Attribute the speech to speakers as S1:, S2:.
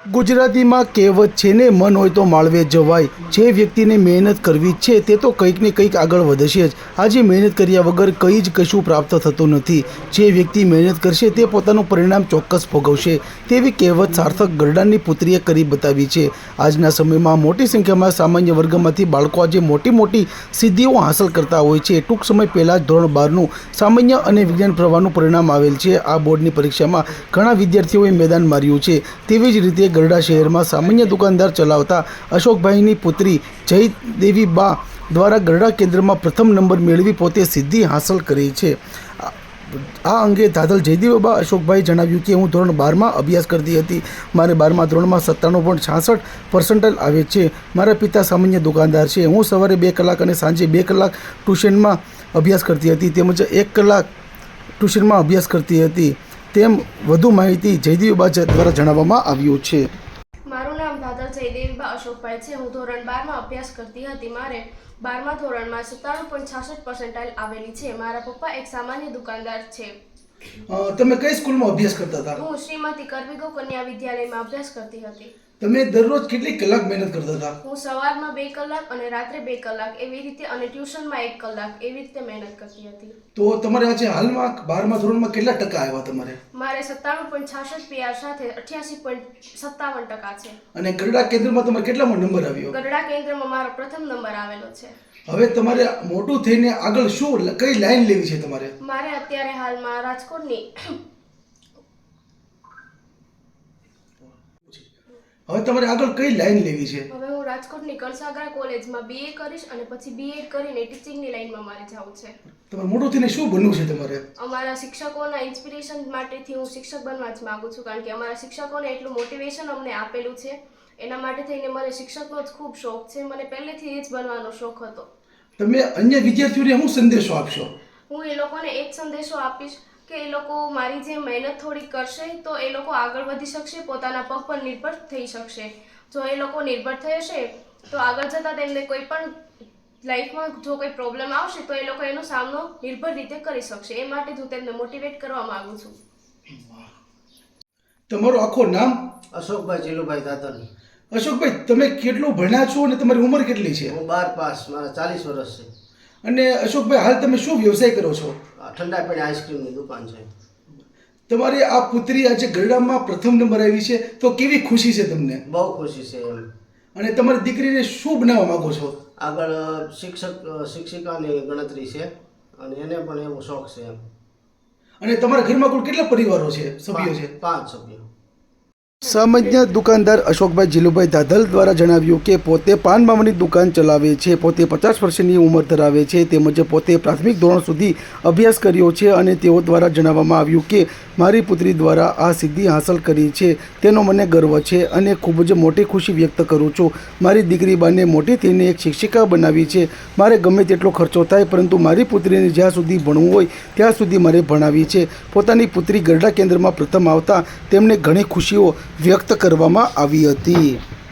S1: ગુજરાતીમાં કહેવત છે ને, મન હોય તો માળવે જવાય. જે વ્યક્તિને મહેનત કરવી છે તે તો કંઈક ને કંઈક આગળ વધશે જ. આજે મહેનત કર્યા વગર કંઈ જ કશું પ્રાપ્ત થતું નથી. જે વ્યક્તિ મહેનત કરશે તે પોતાનું પરિણામ ચોક્કસ ભોગવશે, તેવી કહેવત સાર્થક ગરડાની પુત્રીએ કરી બતાવી છે. આજના સમયમાં મોટી સંખ્યામાં સામાન્ય વર્ગમાંથી બાળકો આજે મોટી મોટી સિદ્ધિઓ હાંસલ કરતા હોય છે. ટૂંક સમય પહેલાં જ ધોરણ 12નું સામાન્ય અને વિજ્ઞાન પ્રવાહનું પરિણામ આવેલ છે. આ બોર્ડની પરીક્ષામાં ઘણા વિદ્યાર્થીઓએ મેદાન માર્યું છે. તેવી જ રીતે ગરડા શહેરમાં સામાન્ય દુકાનદાર ચલાવતા અશોકભાઈની પુત્રી જયદેવી બા દ્વારા ગરડા કેન્દ્રમાં પ્રથમ નંબર મેળવી પોતે સિદ્ધિ હાંસલ કરી છે. આ અંગે દાદલ જયદેવી બા અશોકભાઈ જણાવ્યું કે હું ધોરણ 12માં અભ્યાસ કરતી હતી. મારે 12મા ધોરણમાં 97.66% આવે છે. મારા પિતા સામાન્ય દુકાનદાર છે. હું સવારે 2 કલાક અને સાંજે 2 કલાક ટ્યુશનમાં અભ્યાસ કરતી હતી, તેમજ 1 કલાક ટ્યુશનમાં અભ્યાસ કરતી હતી. તેમ વધુ માહિતી જયદેવીબા દ્વારા જણાવવામાં આવ્યું છે.
S2: મારું નામ દાદલ જયદેવીબા અશોકભાઈ છે. હું ધોરણ 12માં અભ્યાસ કરતી હતી. મારે 12મા ધોરણમાં 97.66% આવેલી છે. મારા પપ્પા એક સામાન્ય દુકાનદાર છે.
S1: તમે કઈ સ્કૂલમાં અભ્યાસ કરતા હતા?
S2: હું શ્રીમતી કરવીગો કન્યા વિદ્યાલયમાં અભ્યાસ કરતી હતી.
S1: તમે દરરોજ કેટલી કલાક મહેનત કરતા હતા?
S2: હું સવારમાં 2 કલાક અને રાત્રે 2 કલાક એવી રીતે, અને ટ્યુશનમાં 1 કલાક એવી રીતે મહેનત કરતી હતી.
S1: તો તમારે આજે હાલમાં 12મા ધોરણમાં કેટલા ટકા આવ્યા તમારે?
S2: મારે 97.66 PR સાથે 88.57% છે.
S1: અને ગરડા કેન્દ્રમાં તમારે કેટલામો નંબર આવ્યો?
S2: ગરડા કેન્દ્રમાં મારો પ્રથમ નંબર આવેલો છે.
S1: હવે તમારે મોટું થઈને આગળ શું કઈ લાઈન લેવી છે તમારે?
S2: મારે અત્યારે હાલમાં રાજકોટની
S1: હવે તમારે આગળ કઈ લાઈન લેવી છે?
S2: હવે હું રાજકોટની કણસાગરા કોલેજમાં BA કરીશ અને પછી BEd કરીને ટીચિંગની લાઈનમાં મારે જવું છે.
S1: તમારે મોટું થઈને શું બનવું છે તમારે?
S2: અમારા શિક્ષકોના ઇન્સ્પિરેશન માટેથી હું શિક્ષક બનવા જ માંગુ છું, કારણ કે અમારા શિક્ષકોને એટલું મોટિવેશન અમને આપેલું છે. એના માટે થઈને મને શિક્ષકનો જ ખૂબ શોખ છે. મને પહેલેથી જ બનવાનો શોખ હતો.
S1: તમે અન્ય વિદ્યાર્થીઓને શું સંદેશો આપશો?
S2: હું એ લોકોને એક સંદેશો આપીશ કે એ લોકો મારી જેમ મહેનત થોડી કરશે તો એ લોકો આગળ વધી શકશે, પોતાના પગ પર નિર્ભર થઈ શકશે. જો એ લોકો નિર્ભર થઈ હશે તો આગળ જતાં તેમને કોઈ પણ લાઈફમાં જો કોઈ પ્રોબ્લેમ આવશે તો એ લોકો એનો સામનો નિર્ભર રીતે કરી શકશે. એ માટે હું તેમને મોટિવેટ કરવા માંગુ છું.
S1: તમારું આખું નામ?
S3: અશોકભાઈ જીલુભાઈ દાદલ.
S1: અશોકભાઈ, તમે કેટલું ભણ્યા છો અને તમારી ઉંમર કેટલી છે?
S3: હું 12 પાસ, મારા 40 વર્ષ છે.
S1: અને અશોકભાઈ, હાલ તમે શું વ્યવસાય કરો છો?
S3: ઠંડા પાણી આઈસ્ક્રીમની દુકાન છે.
S1: તમારી આ પુત્રી આજે ગરડામાં પ્રથમ નંબર આવી છે, તો કેવી ખુશી છે તમને?
S3: બહુ ખુશી છે એમ.
S1: અને તમારી દીકરીને શું બનાવવા માંગો છો?
S3: આગળ શિક્ષિકાની ગણતરી છે અને એને પણ એવો શોખ છે એમ.
S1: અને તમારા ઘરમાં કુલ કેટલા પરિવારો છે, સભ્યો છે?
S3: 5 સભ્યો.
S1: સામાન્ય દુકાનદાર અશોકભાઈ જીલુભાઈ દાદલ દ્વારા જણાવ્યું કે પોતે પાન માવાની દુકાન ચલાવે છે, પોતે 50 વર્ષની ઉંમર ધરાવે છે, તેમજ પોતે પ્રાથમિક ધોરણ સુધી અભ્યાસ કર્યો છે. અને તેઓ દ્વારા જણાવવામાં આવ્યું કે મારી પુત્રી દ્વારા આ સિદ્ધિ હાંસલ કરી છે, તેનો મને ગર્વ છે અને ખૂબ જ મોટી ખુશી વ્યક્ત કરું છું. મારી દીકરી બાને મોટી થઈને એક શિક્ષિકા બનાવી છે. મારે ગમે તેટલો ખર્ચો થાય, પરંતુ મારી પુત્રીને જ્યાં સુધી ભણવું હોય ત્યાં સુધી મારે ભણાવી છે. પોતાની પુત્રી ગરડા કેન્દ્રમાં પ્રથમ આવતા તેમને ઘણી ખુશીઓ વ્યક્ત કરવામાં આવી હતી.